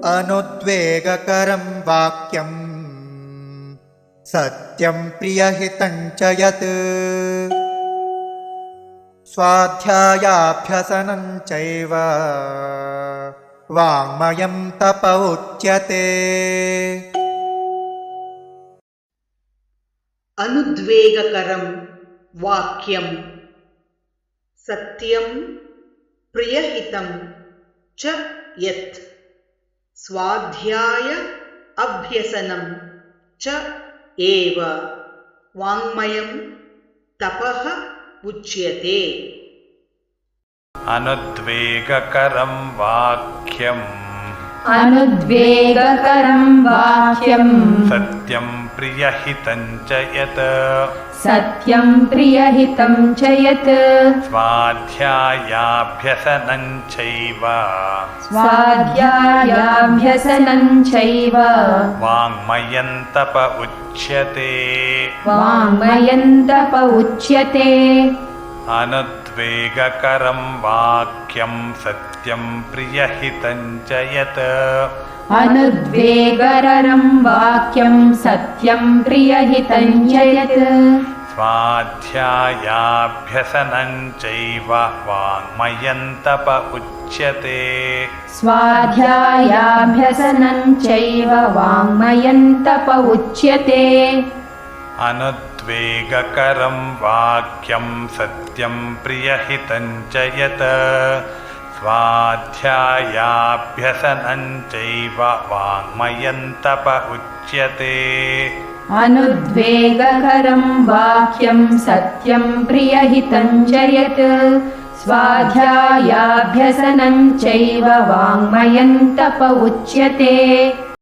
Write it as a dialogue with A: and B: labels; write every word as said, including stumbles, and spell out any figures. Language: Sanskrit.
A: अनुद्वेगकरं वाक्यं सत्यं प्रियहितं च यत् स्वाध्यायाभ्यसनं चैव वाङ्मयं तप उच्यते।
B: अनुद्वेगकरं वाक्यं सत्यं प्रियहितं च यत् स्वाध्याय अभ्यसनं च एव वाङ्मयं तपः उच्यते।
C: अनुद्वेगकरं वाक्यम्
D: अनुद्वेगकरं वाक्यं
C: सत्यं प्रियहितं च यत्
D: सत्यं प्रियहितं च यत्
C: स्वाध्यायाभ्यसनं चैव
D: स्वाध्यायाभ्यसनं चैव
C: वाङ्मयं तप उच्यते।
D: वाङ्मयं तप उच्यते।
C: अनुद्वेगकरं वाक्यं सत्यं प्रियहितं च यत्
D: अनुद्वेगकरं वाक्यं सत्यं प्रियहितं च यत्
C: स्वाध्यायाभ्यसनं चैव वाङ्मयं तप उच्यते।
D: स्वाध्यायाभ्यसनं चैव वाङ्मयं तप उच्यते।
C: अनुद्वेगकरं वाक्यं सत्यं प्रियहितं च यत् स्वाध्यायाभ्यसनं चैव वाङ्मयं तप उच्यते।
D: अनुद्वेगकरं वाक्यं सत्यं प्रियहितं च यत् स्वाध्यायाभ्यसनं चैव वाङ्मयं तप उच्यते।